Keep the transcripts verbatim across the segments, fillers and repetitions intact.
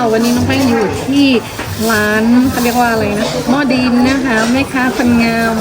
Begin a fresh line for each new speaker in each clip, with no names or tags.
วันนี้น้องแป้งอยู่ที่ร้านเขาเรียกว่าอะไรนะหม้อดินนะคะแม่ค้าคนงาม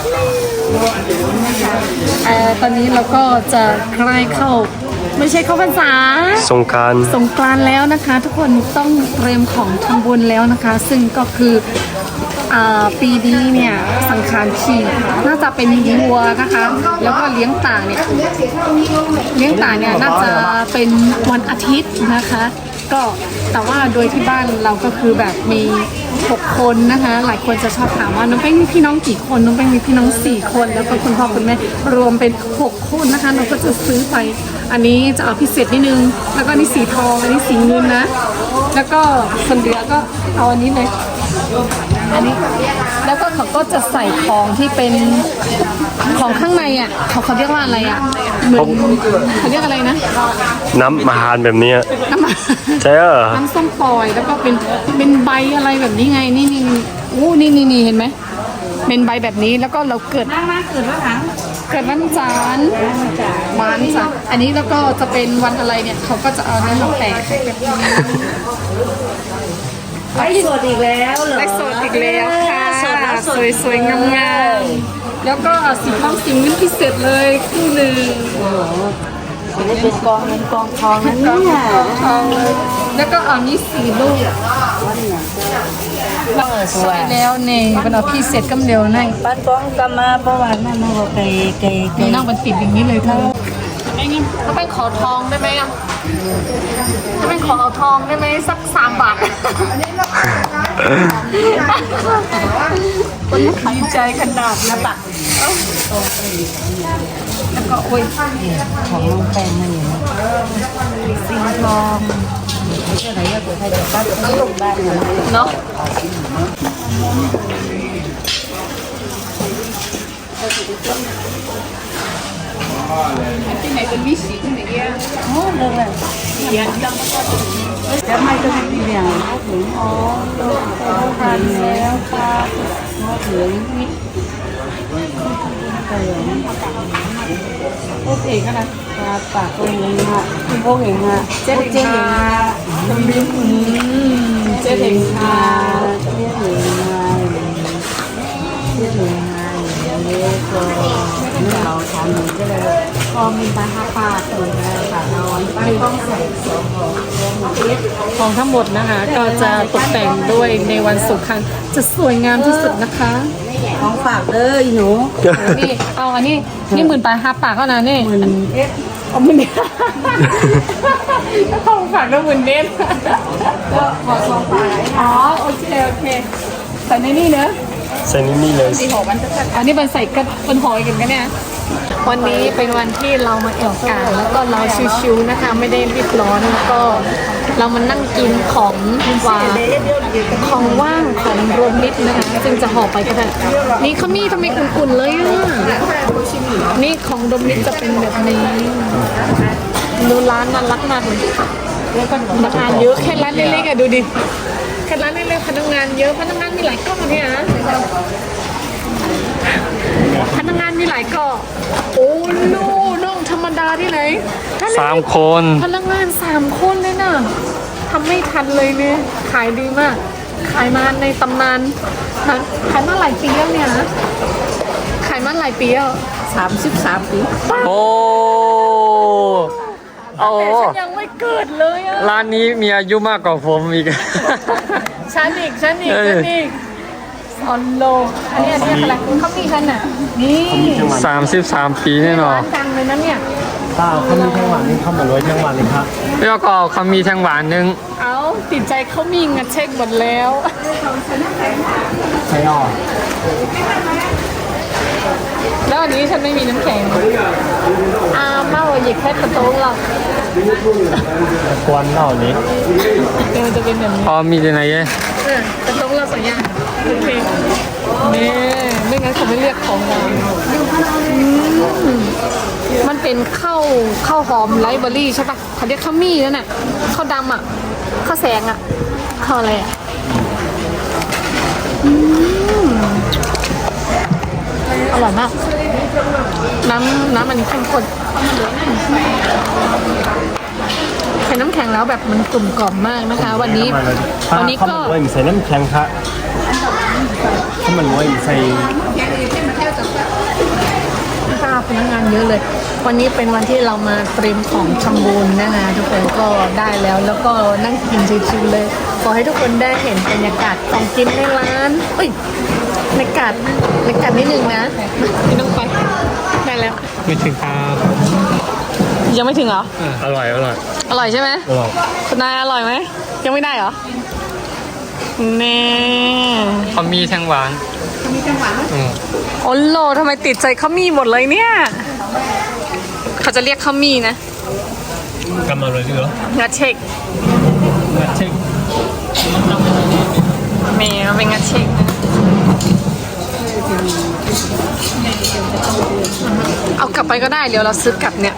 นะคะเอ่อตอนนี้เราก็จะใกล้เข้าไม่ใช่เข้าพรรษา
สงกรานต์
สงกรานต์แล้วนะคะ ทุกคนต้องเตรียมของทำบุญแล้วนะคะ ซึ่งก็คืออ่าปีนี้เนี่ยสังขารขี่น่าจะเป็นวัวนะคะ แล้วก็เลี้ยงต่างเนี่ยเลี้ยงต่างเนี่ยน่าจะเป็นวันอาทิตย์นะคะ ก็แต่ว่าโดยที่บ้านเราก็คือแบบมีหกคนนะคะหลายคนจะชอบถามว่าน้องแป้งมีพี่น้องกี่คนน้องแป้งมีพี่น้องสี่คนแล้วก็คุณพ่อคุณแม่รวมเป็นหกคนนะคะเราก็จะซื้อไปอันนี้จะเอาพิเศษนิดนึงแล้วก็นี่สีทองอันนี้สีเงินนะแล้วก็คนเหลือก็เอาอันนี้เลยอันนี้แล้วก็เขาก็จะใส่ของที่เป็นของข้างในอ่ะเขาเขาเรียกว่าอะไรอ่ะเหมือนเขาเรียกอะไรนะ
น้ำมาหารแบบนี้
น้ำมัน
ใช่เหรอ
น้ำส้มปล่อยแล้วก็เป็นเป็นใบอะไรแบบนี้ไงนี่นี่โอ้นี่นี่นี่เห็นไหมเป็นใบแบบนี้แล้วก็เราเกิดเกิดวันหลังเกิดวันจันทร์วันจันทร์อันนี้แล้วก็จะเป็นวันอะไรเนี่ยเขาก็จะเอาเนื้อมาแปะ
ไลฟ์สดอีกแล้วเหรอ
ไลฟ์สดอีกแล้วค่ะสวยๆงามๆแล้วก็สีทองสีเงินพิเศษเลยคู่หนึ่ง
จะได้เป็นกองเงินกองทองนั่นเนี่ย
ทองเลยแล้วก็เอานี้สีลูกสวยแล้วเนี่ยเป็นเอาพิเศษกำเดียวนั่ง
บ้านกองกำมาประวัตินั่นมันก็ไกลไกลไกล
นั่งมันติดอย่างนี้เลยเธอไอ้นี่ถ้าเป็นขอทองได้ไหมอ่ะถ้าเป็นขอเอาทองได้ไหมสักสามบาทคนดีใจขนาดนะปะแล้วก็โอ้ย
ของน้องแป้งนั่นเองสีทองไม่ใช่ไหนก็เกิดใครจะปั้นต้องลงบ้าน
เนาะที่ไหนเป็นวิสีที่ไหนเงี้ย
โอ้เลยเลยจะไม่ก็ไม่เบี่ยงถึงอ๋อต้องทานแล้วปลาหม้อเหลืองนิดโอเคก็นะปลาปากตัวเองฮะคุณพวกเองฮะเจ๊เจ๊เองฮะ
ตำลึงเจ๊เองค่ะ
เจ๊เองฮะเจ๊เองฮะเล็กก็เราทำก็เลยพอมีปลาห้าปลาตัวนะปลาน้อยปลาต้องใส่สองของ
ของทั้งหมดนะคะก็จะตกแต่งด้วยในวันสำคัญจะสวยงามที่สุดนะคะ
ของฝากเลยหนู
นี่เอาอันนี้นี่หมื่นปลายห้าปากเท่านั้นนี่
หมื่นเอ็ด
เอาหมื่นเอ็ดของฝากก็หมื่นเอ็ด
ก็ขอสองปลา
อ๋อโอเคโอเคใส่ในนี่เนอะ
ใส่นี่เลย
สีหอมันจะอันนี้มันใส่กันเป็นหอยกันกันเนี่ยวันนี้เป็นวันที่เรามาแอวกาแล้วก็เราชิวๆนะคะไม่ได้รีบร้อนแล้วก็เรามานั่งกินของหวานของว่างของรวมมิตรนะคะซึ่งจะห่อไปก็ได้นี่เขามีทำไมอุ่นๆเลยอ่ะนี่ของรวมมิตรจะเป็นแบบนี้ดูร้านน่ารักมากเลยแล้วก็พนักงานเยอะแค่ร้านเล็กๆอ่ะดูดิแค่ร้านเล็กๆพนักงานเยอะพนักงานมีหลายกล้องเนี่ยนะพนักงานมีหลายเกาะโอ้โน่น้องธรรมดาที่ไหน
สามคน
พนักงานสามคนเลยนะทำไม่ทันเลยเนี่ยขายดีมากขายมาในตำนานขายมาหลายปีแล้วเนี่ยนะขายมาหลายปีแล้ว
สามสิบสามปี
โอ้โอ้
ฉันยังไม่เกิดเลยอะ
ร้านนี้มีอายุมากกว่าผมอีก
ฉันอีกฉันอีกฉันอีกออนโลอันนี้อันนี้อะไรเขามีกันอ่ะนี่
สามสิบสามปีแน่นอน
จังเลยนะเนี่ย
เปล่าเขามีแทงหวานนี่เขาเหมือนรวยแทงหวานเลยครับ
แล้วก็เขามีแทงหวานนึง
เอาติดใจเขามีงัดเช็คหมดแล้ว
ใช่หรอ
แล้วอันนี้ฉันไม่มีน้ำแข็งอ่าเมาหยิบแค่กระโต้งเรา
ควนเหล่านี้
เดี๋ยวจะเป็นแบบนี้
อ๋อมีที่ไหน
เยกระโต้งเราสัญญาโอเคนี่ไม่งั้นเขาไม่เรียกของเรามันเป็นข้าวข้าวหอมไลฟ์เบอร์รี่ใช่ปะเขาเรียกข้าวมี่นั่นน่ะข้าวดำอ่ะข้าวแสงอ่ะข้าวอะไรอ่ะอร่อยมากน้ำน้ำมันเข้มข้นใครน้ำแข็งแล้วแบบมันกลุ่มกล่อมมากนะคะ วันนี้
ป้า
วันนี้
ข้าว
ก็
มันรวยมีใส่น้ำแข็งครับข้าวมันรวยมีใส่
ค่าพนักงานเยอะเลย วันนี้เป็นวันที่เรามาเตรียมของทำบุญนะคะทุกคนก็ได้แล้วแล้วก็นั่งกินชิวๆเลยขอให้ทุกคนได้เห็นบรรยากาศของกินในร้านเอ้ยบรรยากาศบรรยากาศนิดนึงนะพี่น้องไปได้แล้ว
ไม่ถึงครับ
ยังไม่ถึงเหรอ
อร่อยอร่อย
อร่อยใช่ไหม
อร่อย
คุณนายอร่อยไหมยังไม่ได้เหรอแน่
เขามีแทงหวานมีแทงหวานอืม
โอ้โหทำไมติดใจข้าวมี่หมดเลยเนี่ยเขาจะเรียกข้าวมี่นะ
กำมาเลยเหรอ
งัดเช็ค
งัดเช็ค
เมย์มันเป็นงัดเช็คนะเอากลับไปก็ได้เดี๋ยวเราซื้อกลับเนี่ย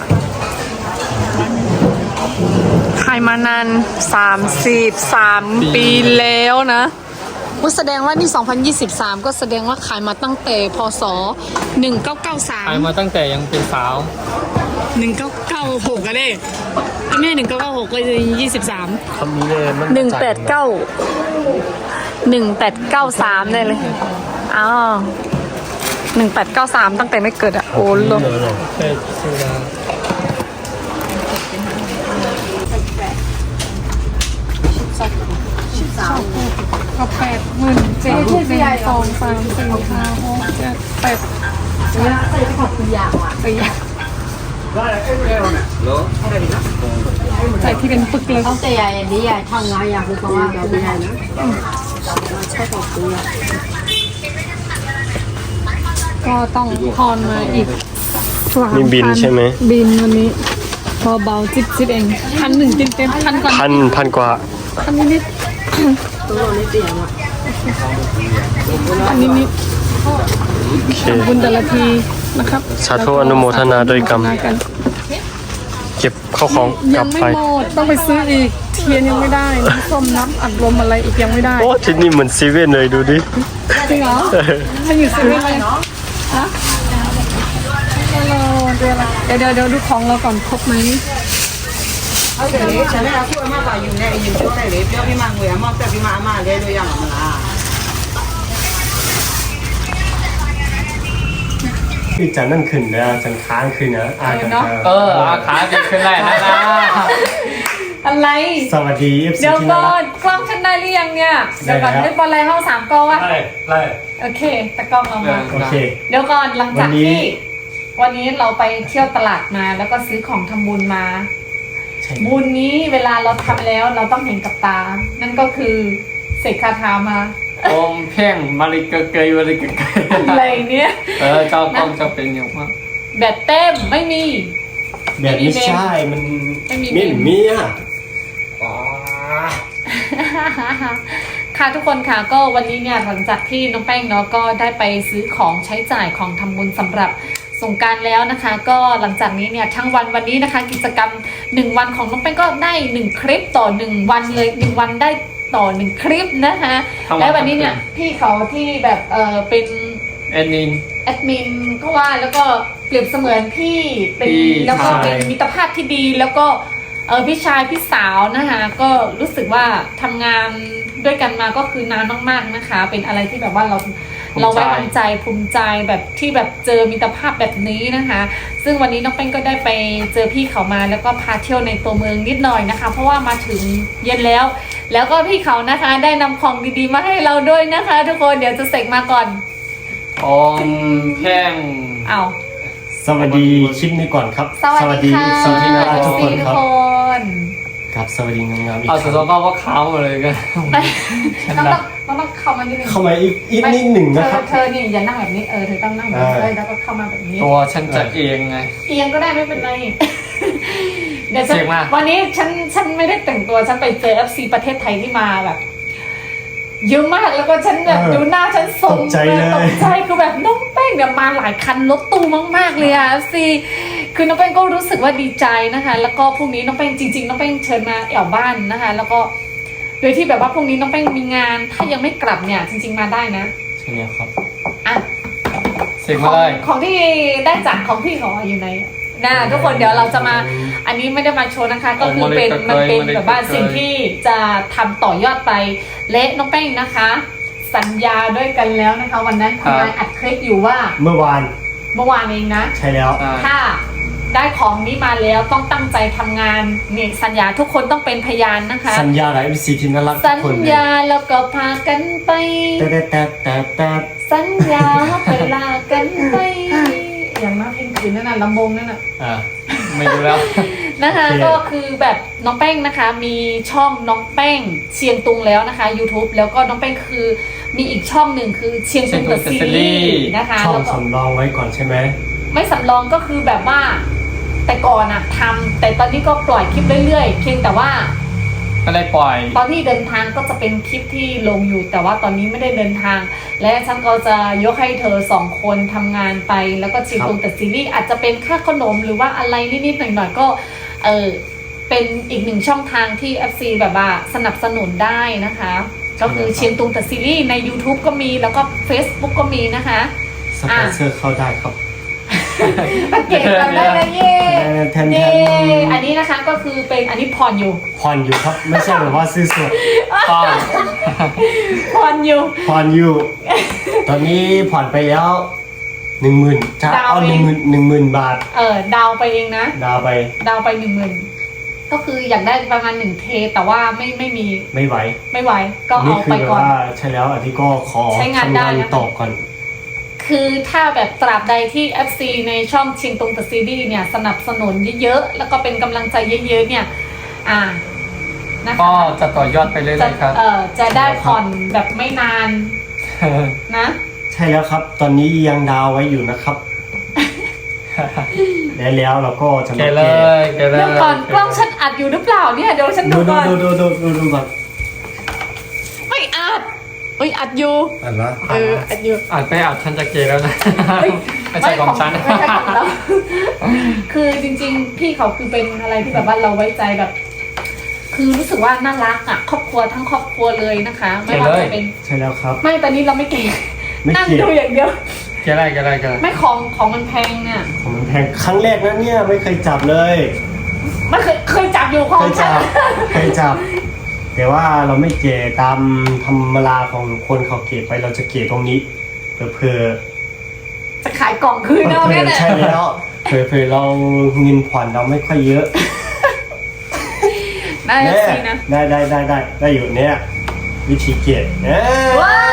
ขายมานานสามสิบสามปีแล้วนะว่าแสดงว่านี่สองพันยี่สิบสามก็แสดงว่าขายมาตั้งแต่พศหนึ่งเก้าเก้าสาม
ขายมาตั้งแต่ยังเป็นสาว
หนึ่งเก้าเก้าหกก็ได้ไม่ใช่หนึ่งเก้าเก้าหกก็จะยี่สิบสาม
คำนี้เลยมัน
หนึ่งแปดเก้าหนึ่งแปดเก้าสามได้เลยอ้าวหนึ่งแปดเก้าสามตั้งแต่ไม่เกิดอะโอ้โห
ใช่ชื่อร้าน
ก็แปดหมื่นเจ็ดหนึ่งสองสามสี่ห้าหกเจ็ดแปดใส่ที่เป็นปึกเลย
เขาแต่ใหญ่ดีใหญ่ทำงานอย่างคือเขาว่าเราไม่ได้นะ
ก็ต้องทอนมาอีก
มีบินใช่ไหม
บินวันนี้พอเบาจิ๊บจิ๊บเองพันหนึ่งเต็มเต็มพันก่อน
พันพันกว่า
พันนิดนิด
ตัวเราไม่เปลี่ยนอ่ะ
พันนิดนิด
โอเค
บุญแต่ละทีนะครับ
สาธุอนุโมทนาด้วยกรรม
กัน
เก็บเข้าของก
ยั
ลั
ง
บ
ไม่
ไป
หมดต้องไปซื้ออีกเทียนยังไม่ได้น้ำส้มน้ำอัดลมอะไรอีกยังไม่ได้
โอ้ที่นี่เหมือนเซเว่นเลยดูดิ
จริงเหรอถ้าอยู่เซเว่นเลยฮะเดี๋ยวเดี๋ยวเดี๋ยวเดี๋ยวดูของเราก่อนครบไหม
เอาแต่นี้ฉันไม่เอาที่ว่ามาป่าอยู่ในอยู่ช่วงไหนเลยเดี๋ยวพี่มังเวียมอบแต่พี่มาอามาเลยดูอย่างมันละ
พี่จันนั่นขึ้นนะจันค้างขึ้นนะอากัน
เอออาขาดีขึ้นได้แล้วนะ
อะไร
สวัสดีเอฟซี
เดี๋ยว
ที่
ก่
น่า
อ
รั
น
ก
กล้องฉันได้หรือยังเนี่ยเดี๋ยวก่อน
ได้แล้ว
เล่นบอลอะไรห้องสามกล้องวะ
ไล่ไล่
โอเคแต่กล้องเรามา
โอเค
เดี๋ยวก่อนหลังจาก
วันนี้
ที่วันนี้เราไปเที่ยวตลาดมาแล้วก็ซื้อของทำบุญมา
ใช่
บุญนี้เวลาเราทำแล้วเราต้องเห็นกับตา นั่นก็คือเสกคาถามา
อมเพ่งมาริกเกยมาริกเกย
อะไรเนี่ย
เออเจ้ากล้องจะเป็นอย่างมาก
แบบเต็มไม่มี
แบบไม่ใช่มัน
ไม่มี
ไม่มีอ่ะ
ค่ะทุกคนค่ะก็วันนี้เนี่ยหลังจากที่น้องแป้งเนาะก็ได้ไปซื้อของใช้จ่ายของทำบุญสำหรับสงกรานต์แล้วนะคะ ก็หลังจากนี้เนี่ยทั้งวันวันนี้นะคะ กิจกรรมหนึ่งวันของน้องแป้งก็ได้หนึ่งคลิปต่อหนึ่งวันเลยหนึ่งวันได้ต่อหนึ่งคลิปนะคะ และวันนี้เนี่ยพี่เขาที่แบบเออเป็น
แอนนิน
แอดมินก็ว่าแล้วก็เปรียบเสมือนพี่เป็น
พี่
แล้วก็เป็น
ชาย
มิตรภาพที่ดีแล้วก็เออพี่ชายพี่สาวนะคะก็รู้สึกว่าทำงานด้วยกันมาก็คือนานมากๆนะคะ เป็นอะไรที่แบบว่าเราเราไว้วางใจภูมิใจแบบที่แบบเจอมิตรภาพแบบนี้นะคะ ซึ่งวันนี้น้องเป้งก็ได้ไปเจอพี่เขามาแล้วก็พาเที่ยวในตัวเมืองนิดหน่อยนะคะ เพราะว่ามาถึงเย็นแล้ว แล้วก็พี่เขานะคะได้นำของดีๆมาให้เราด้วยนะคะ ทุกคนเดี๋ยวจะเสกมาก่อน
อมเพ่ง
เอา
สวัสดีคลิปนี้ก่อนครับ
สวัสดีค่ะ
สวัสดีน่ารักทุกคน
ทุ
ค
ก
รับ
คน
ครับสวัสดีงามๆอีก
เอา
ค
สุด
รั้
ท้าย
ง
ก็ว่าขาวหมดเลยกัน
ต้องต้องต้องต้องเข้ามานิดนึง
เข้ามาอีกอีกนิดหนึ่ง
เธ
นะ
อ
ครับ
เธอนี่อย่านั่งแบบนี้เออเธอต้องนั่งแบบนี้
อ่า
เลยแล้วก็เข้ามาแบบนี้
ตัวฉันจะเองไง
เอียงก็ได้ไม่เป็นไร เดี๋ยวฉัน
เสียงมา
วันนี้ฉันฉันไม่ได้แต่งตัวฉันไปเจอ เอฟ ซี ประเทศไทยที่มาแบบเยอะมากแล้วก็ฉันแบบ
เออ
ดูหน้าฉันทรง
ตกใจเลย
ตกใจคือแบบน้องแป้งเนี่ยมาหลายคันรถตู้มากๆเลยอะ เอฟ ซี คือน้องแป้งก็รู้สึกว่าดีใจนะคะ แล้วก็พรุ่งนี้น้องแป้งจริงๆน้องแป้งเชิญมาแอวบ้านนะคะ แล้วก็โดยที่แบบว่าพรุ่งนี้น้องแป้งมีงาน ถ้ายังไม่กลับเนี่ยจริง ๆมาได้นะ
ใช่แล้วครับ
อ่ะ
เสียง
ข
มา
อง
เลย
ของที่ได้จากของพี่เขาอยู่ในนะทุกคนเดี๋ยวเราจะมาอันนี้ไม่ได้มาโชว์นะคะ ก็คือเป็นมันเป็นแบบว่าสิ่งที่จะทำต่อยอดไปและน้องแป้งนะคะ สัญญาด้วยกันแล้วนะคะ วันนั้นทำงานอัดคลิปอยู่ว่า
เมื่อวาน
เมื่อวานเองนะ
ใช่แล้ว
ถ้าได้ของนี้มาแล้วต้องตั้งใจทำงานนี่สัญญาทุกคนต้องเป็นพยานนะคะ
สัญญาอะไรเป็นสีที่น่ารักทุ
สั
ก
ญ
คนเลย
ญาแล้วก็พากันไป
แต่แต่แต่แต่แต่
สัญญาไปลากันไป อย่างน่าเพลงคืนนั่นน่ะลำวงนั่นน่ะ
อ่า
ไม่ดูแล้ว
นะคะ
โอเค
ก็คือแบบน้องแป้งนะคะ มีช่องน้องแป้งเชียงตุงแล้วนะคะ YouTube แล้วก็น้องแป้งคือมีอีกช่องหนึ่งคือเชียงตุงเดอะซีรีส์นะคะ
ช่อ
แล้
ง
วก็
สำรองไว้ก่อนใช่ไหม
ไม่สำรองก็คือแบบว่า แต่ก่อนอะทำแต่ตอนนี้ก็ปล่อยคลิปเรื่อยๆเพียงแต่ว่า
ไม่ได้ปล่อย
ตอนที่เดินทางก็จะเป็นคลิปที่ลงอยู่ แต่ว่าตอนนี้ไม่ได้เดินทาง และฉันก็จะยกให้เธอสองคนทำงานไป แล้วก็ชิมตรงแต่ซีรีส์อาจจะเป็นค่าขนมหรือว่าอะไรนิดๆหน่อยๆก็เออเป็นอีกหนึ่งช่องทางที่ เอฟ ซี แบบว่าสนับสนุนได้นะคะ ก็คือเชียงตุงแต่ซีรีส์ใน YouTube ก็มีแล้วก็ Facebook ก็มีนะคะ
สปอนเซอร์เข้าได้ครับ
เก่งกันได้เลยเย่
แทนๆ
เย่อันนี้นะคะก็คือเป็นอันนี้ผ่อนอยู่
ผ่อนอยู่ครับ ไม่ใช่แบบว่าซื้อสด
ต้อง
ผ่อนอยู่
ผ่อนอยู่ ตอนนี้ผ่อนไปแล้วหนึ่งหมื่นจะ
ดาว
เอา
ไป
หนึ่งหมื่นหนึ่งหมื่นบาท
เออดาวไปเองนะ
ดาวไป
ดาวไปหนึ่งหมื่นก็คืออยากได้ประมาณหนึ่งเทแต่ว่าไม่ไม่มี
ไม่ไหว
ไม่ไหวก็
นี่
เอา
คือ
ไป
แบบ
ก่อน
ว่าใช่แล้วอันนี้ก็ขอ
ใช้งานได้
ทำงาน
นะคะ
ต่อก่อน
คือถ้าแบบตราบใดที่ เอฟ ซี ในช่องชิงตรงตซีดีเนี่ยสนับสนุนเยอะๆแล้วก็เป็นกำลังใจเยอะๆเนี่ยอ่านะคะ
ก็จะต่อยอดไปเรื่อ
จะ
ยๆครับ
เออจะได้ผ่อนแบบไม่นานนะ
ใช่แล้วครับ ตอนนี้ยังดาวไว้อยู่นะครับ และแล้วเราก็จะ
เก
มา
เล
เก็บ
ยเกเลย
เดี๋ยวก่อนกล้องฉันอัดอยู่หรือเปล่าเนี่ยเดี๋ยวฉัน
ดู
ดู
ดู
ก่อน
ดูดูดูดูดูก่อน
ไม่อัดเอ้ยอัดอยู่
อันละ
เอออัดอยู่
อัดไปอัดฉันจะเกแล้วนะ
เฮ้ย
ไม่ใช่ของฉัน
ไม่ใช่ของเรา คือจริงๆ พี่เขาคือเป็นอะไรที่แบบว่าเราไว้ใจแบบ คือรู้สึกว่าน่ารักอ่ะ ครอบครัวทั้งครอบครัวเลยนะคะ ไม่ว่าจะเป็น
ใช่แล้วครับ
ไม่ตอนนี้เราไม่เก่ง
ไม่
นั่ง
เก่ง
ดูอย่างเดียว
เกอะไรเกอะไรเกอะไร
ไม่ของของมันแพงเนี่ย
ของมันแพงครั้งแรกนะเนี่ยไม่เคยจับเลย
มันเคยเคยจับอยู่ของ
เคย
ฉั
จั
น
บ เคยจับ แต่ว่าเราไม่เกะตามธรรมราของคนเขาเกะไปเราจะเกะตรงนี้เผื่อ
จะขายกล่องคืน
ๆ
เอา
เผื่
แน่
อ
เลย
ใช่แล้วเผื่อเผื่อเราเงินผ่อนเราไม่ค่อยเยอะ
ได้
เนี่ย
สินะ
ได้ได้ได้ได้ได้อยู่เนี่ยวิธีเกะเนี่ย
ว้าว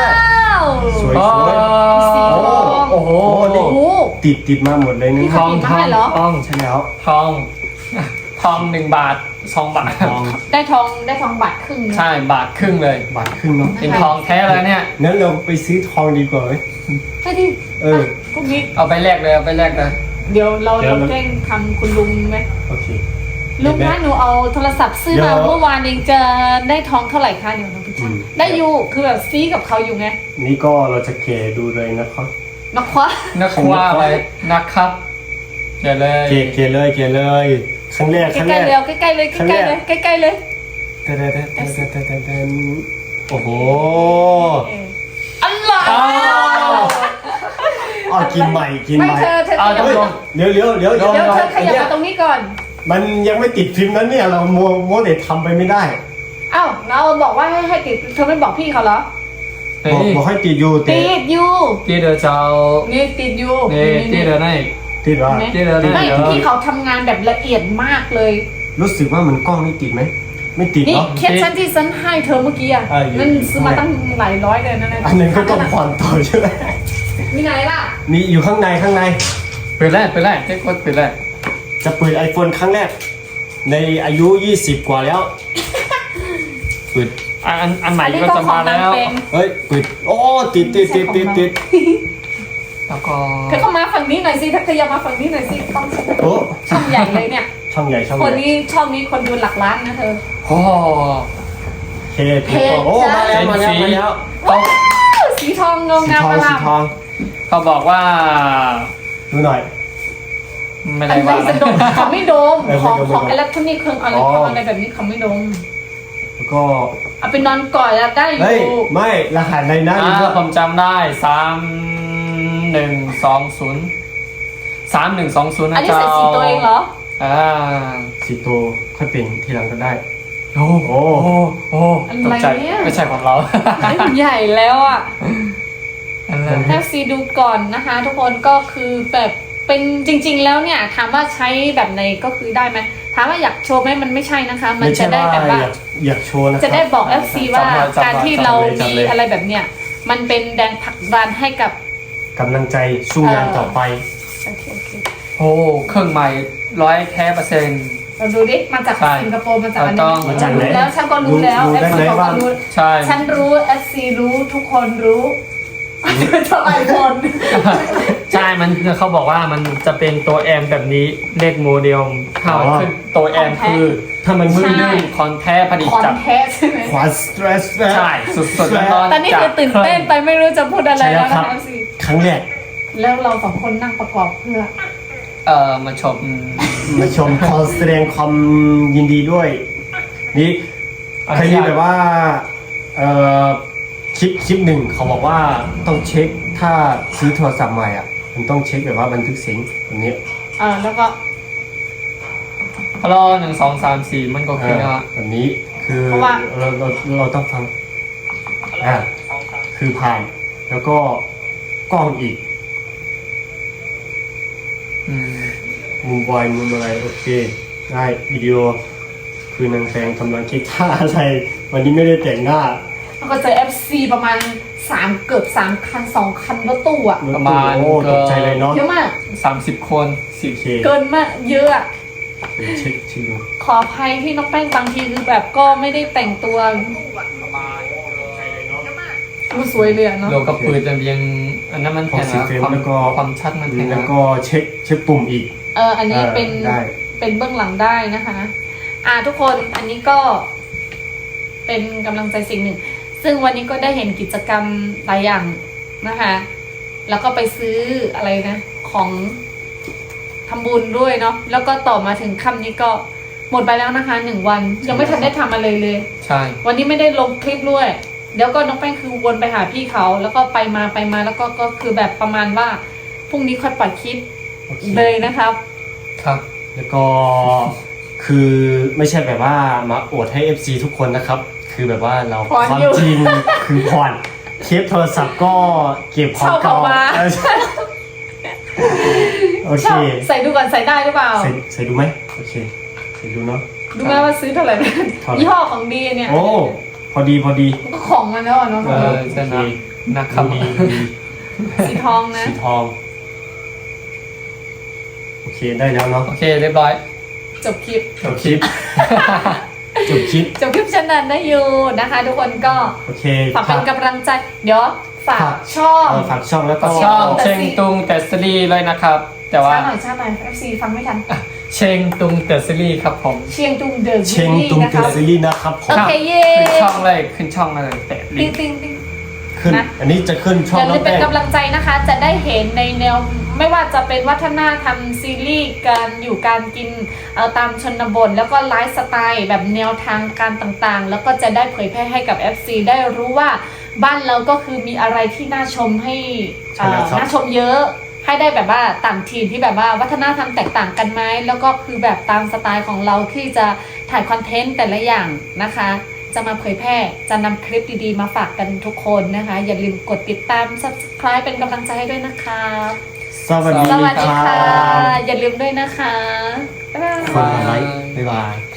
สวย
โอ้
สีทอง
โอ้โห
นี่
โอ้โห
ติดติดมาหมดเลยนะ
นี่
ท
เขา
อง
ติด
ท
มา
อง
ให้เหรอ
ทอง
ใช่แล้ว
ทอง ทองหนึ่งบาทสองบาท
ทอง
ได้ทองได้ทองบาทครึ่งนะ
ใช่บาทครึ่งเลย
บาทครึ่งเนาะ
เป็นทองแท้แล้วเนี่ย
งั้นเราไปซื้อทองดีกว่าไหม
ไปดิ
เออ
พรุ่งนี้
เอาไปแลกเลยเอาไปแลกเลย
เดี๋ยวเรา
เดี๋ยว
เรา
เรา
แกล้งทำคุณลุงไหม
โอเค
ลุงคะหนูเอาโทรศัพท์ซื้อ
เดี๋
มา
ยว
เมื่อวานเองจะได้ทองเท่าไหร่คะเดี๋ยวเราไป
อื
ชั่ง
ม
ได้อยู่คือแบบซีกับเขาอยู่ไง
นี่ก็เราจะเกะดูเลยนะครับ
นักคว้า
นักว่าไปนะครับเกเลย
เกะเกะเลยเกะเลยครั้งแรก
ใก
ครั้งแร
ล้
ก
ๆเร็วใกล้ๆเลยใกล้ๆเลยใกล้ๆเลย
เตนเตนเตนเตนเตนเตนเตนโอ้โห
อร่อย
อ้าว
อ๋อกินใหม่กิน
ไม่
ใหม่
เธอเธอข
เอา
ยับ
ต้องลง
เดี๋ยวเดี๋ยวเดี๋ยว
เดี๋ยวเธอขยับ
ไอ้
มาตรงนี้ก่อน
มันยังไม่ติดฟิล์มนั้นเนี่ยเราโมโมเดททำไปไม่ได้
อ้าวเราบอกว่าให้ให้ติดเธอไม่บอกพี่เขาเหรอ
เฮ้
บอก
ย
บอกให้ติดอยู่แต่
ติดอยู่
ที่เดือเจ้า
นี่ติดอยู่
นี่ที่เดือไหน
ติดว่า
เห็นไหม
ที่เดือไหน
ไม่
เดี๋ยว
พี่เขาทำงานแบบละเอียดมากเลย
รู้สึกว่ามันกล้องนี่ติดไหมไม่ติด
นี่
เนาะ
เคสฉันที่ฉันให้เธอเมื่อกี้อ่ะ
เอออยู่
นั่นซื้อมาตั้งหลายร้อยเลยนั่นนะ
อันนั้นก็ต้องผ่อนต่อใช่ไหม
มีไหนล่ะ
มีอยู่ข้างในข้างใน
เปิดแรกเปิดแรกเจ๊กดเปิดแรก
จะเปิด iPhone ครั้งแรก ในอายุยี่สิบกว่าแล้วเปิด
อันอันอันใหม่
อันนี้
ก็
ก็
จะ
ขอ
มาง
นาง
แล้ว
เป็ง
เฮ้ยเปิดโอ้ติดติดติดติดติด
แล้วก็
เธอเข้ามาฝั่งนี้หน่อยสิถ้าเธออยากมาฝั่งนี้หน่อยสิต้อง
โอ้
ช่องใหญ่เลยเนี่ย
ช่องใหญ่ช่อง
ค
ให
น
ญ่
นี้ช่องนี้คนดูหลักล้านนะเธอ
โอ้
เพจเพจโอ้มาแล้วมาแล้วมาแล้ว
เขา
สีทองเงา
สี
งาม
ทอ
ป
ง
ระห
สี
ลาด
ทอง
เขาบอกว่า
ดูหน่อย
ไม่
อั
ได้
นไหน
ว่า
จะดมเขาไม่ดม
เออ
ของ
ไม่ดม
ของอิเล็กทรอนิกส์เครื่องอะไร
อ๋อ
ของอะไรแบบนี้เขาไม่ดม
แล้วก็
เอาไปนอนก่อนแล้วได้อ
เฮ้ย
ยู่
ไม่รหัสในนั้น
อ่า
นี่ก็
ผมจำได้สามหนึ่งสองศูนย์สามหนึ่งสองศูนย์
อัน
นะ
นี้
เจ้า
ใส่สีตัวเองเหรอ
อ่า
สีโตค่อยเป็นทีหลังก็ได้
โอ้โหโอ้โหตกใจไม่ใช่ของเรา
ใหญ่แล้วอ่ะ
อะไร
แอฟซีดูก่อนนะคะ ทุกคนก็คือแบบเป็นจริง ๆ แล้วเนี่ยถามว่าใช้แบบไหนก็คือได้ไหมถามว่าอยากโชว์ไหมมันไม่ใช่นะคะ มัน
ไม่ใช่
จะได้
ว่า
แบบว่า
อยากอยากโชว์นะครับ
จะได้บอก เอฟ ซี ว่าการที่เรามีอะไรแบบเนี้ยมันเป็นแรงผลักดันให้กับ
กำลังใจสู้งานต่อไป
โอเคโอเค
โอ้เครื่องใหม่ร้อยแท้เปอร์เซ็นต์
เราดูดิมาจาก
ใช่
สิงคโปร์มาจากอัน
เราต้
นี้
อง
มาจากไหน
รู้แล้วฉันก็รู้แล้ว
รู้
เอฟ
ได้
ซี
ไหม
บอก
ว่า
ว่ารู้
ใช่
ฉันรู้ เอฟ ซี รู้ทุกคนรู้เท่าไหร่คน
ใช่ มันเขาบอกว่ามันจะเป็นตัวแอมแบบนี้เลขโมเดลถ้ามันขึ้นตัวแอมคือ
ถ้ามัน
มื
มื
อ
อ
หนึ่งคอนแท้ผลิต
คอน
จาก
เทสใช่ไหม
ขวานสเตรส
ใช่สุดๆร้อนๆ
ตอนนี้คือตื่นเต้นไปไม่รู้จะพูดอะไร
ใช่แล้
แล้ว ว
ค
นะ
รับ
คะ เอฟ ซี
ครั้งแรก
แล้วเราสองคนนั่งประกอบเพื่อ
เอ่อมาชม
มาชมขอแสดงความยินดีด้วย นี่เคยมีแบบว่าเอ่อคลิปคลิปหนึ่งเขาบอกว่าต้องเช็คถ้าซื้อโทรศัพท์ใหม่อ่ะมันต้องเช็คแบบว่าบันทึกเสียงแบบนี้
เออแล้วก็
ฮัลโหลหนึ่งสองสามสี่มันก็คือ
อ่า
ว่า
แบบนี้คือ
เพราะว่า
เราเราเราต้องฟังอ่าคือผ่านแล้วก็กล้องอีก
อืม
มุมบอยมุมอะไรโอเคได้วิดีโอคือนางแฟงกำลังคิดท่าอะไรวันนี้ไม่ได้แต่งหน้า
แล้วก็เจอ เอฟ ซี ประมาณสามเกือบสามคันสองคันรถตู้อ่ะ
ประมาณ
โอ้ตกใจเลยเนาะ
เยอะมาก
สามสิบคนสิบ
โอเค
เกินมากเยอะอะ
เดี๋ยวเช็คเช็คดู
ขออภัยที่น้องแป้งบางทีคือแบบก็ไม่ได้แต่งตัวดูสวยเลยอะเนาะ
โลกับปืนจะยังอันนั้นมัน
ของ
แค่
สี
นะ
เฟรม
ความ
แล้วก็
ความชัดมันแค่
แล้ว
นะ
ก็เช็คเช็คปุ่มอีก
เอออันนี้เป็น
เออได้
เป็นเบื้องหลังได้นะคะ อ่าทุกคนอันนี้ก็เป็นกำลังใจสิ่งหนึ่ง ซึ่งวันนี้ก็ได้เห็นกิจกรรมหลายอย่างนะคะ แล้วก็ไปซื้ออะไรนะ ของทำบุญด้วยเนาะแล้วก็ต่อมาถึงค่ำนี้ก็หมดไปแล้วนะคะหนึ่งวัน ยังไม่ทันได้ทำอะไรเลย
ใช่
วันนี้ไม่ได้ลงคลิปด้วย เดี๋ยวก็น้องแป้งคือวนไปหาพี่เขา แล้วก็ไปมาไปมาแล้วก็ก็คือแบบประมาณว่าพรุ่งนี้ค่อยปล่อยคลิป
โอเค
เลยนะครับ
ครับ
แล้วก็คือไม่ใช่แบบว่ามาอวดให้ เอฟ ซี ทุกคนนะครับ คือแบบว่าเรา
ผ่อน
ความ
อยู่
จริงคือผ่อนเคสโทรศัพท์ก็เก็บของ
เช่า
เก่า
ออกมา
เออใช่โอเค
ชอบใส่ดูก่อนใส่ได้หรือเปล่า
ใส่ใส่ดูไหมโอเคใส่ดูเนาะ
ดูไหมว่าซื้อเท่าไหร่นะ
เท่าไหร่
ยี่ห้อของดีเนี่ย
โอ้พอดีพอดี
ก็ของมันแล้วอะเนาะ
เออใช่นะนะครับ
ดีดี
สีทองนะ
สีทองโอเคได้แล้วเนาะ
โอเคเรียบร้อย
จบคลิป
จบคลิปจบคลิป
จบคลิปฉันนั้นได้อยู่นะคะ ทุกคนก็
โอเค
ฝากเป็นกำลังใจ เดี๋ยวฝาก
ฝาก
ช่อง
เออฝากช่องแล้วก็
ช่อง
แต่
เชง
สิ
ตุงแต่ซีรีส์เลยนะครับ แต่ว่า
ช้าหน่อยช้าหน่อย เอฟ ซี ฟังไม่ทัน
เชงตุงแต่ซีรีส์ครับผม
เชียงตุงเดอะ
เช
ซี
ง
รี
ตุง
ส์นะ
เก
คะ
อร์ซีรีส์นะครับผม
โอเคเย้
ขึ้นช่องเลยขึ้นช่องเลยแตะลิ
ติ๊
ง
ง
ก์
ติ๊งติ๊ง
ขึ้น
นะ
อันนี้จะขึ้นช่อ
อง ย่า
น้
ลื
อ
ม
ง
เป็น
แป้ง
กำลังใจนะคะ จะได้เห็นในแนวไม่ว่าจะเป็นวัฒนธรรมซีรีส์การอยู่การกินเอาตามชนบทแล้วก็ไลฟ์สไตล์แบบแนวทางการต่างๆ แล้วก็จะได้เผยแพร่ให้กับ เอฟ ซี ได้รู้ว่าบ้านเราก็คือมีอะไรที่น่าชมให้เอ่อน่าชมเยอะ ให้ได้แบบว่าต่างทีมที่แบบว่าวัฒนธรรมแตกต่างกันไหมแล้วก็คือแบบตามสไตล์ของเราที่จะถ่ายคอนเทนต์แต่ละอย่างนะคะ จะมาเผยแพร่จะนำคลิปดีๆมาฝากกันทุกคนนะคะ อย่าลืมกดติดตาม ซับสไครบ์ เป็นกำลังใจให้ด้วยนะคะ
สวัสดี
สวัสดี
ครั
ค่ะ
บ
อย่าลืมด้วยนะคะ บ๊ายบาย
คนละไลค์บ๊ายบาย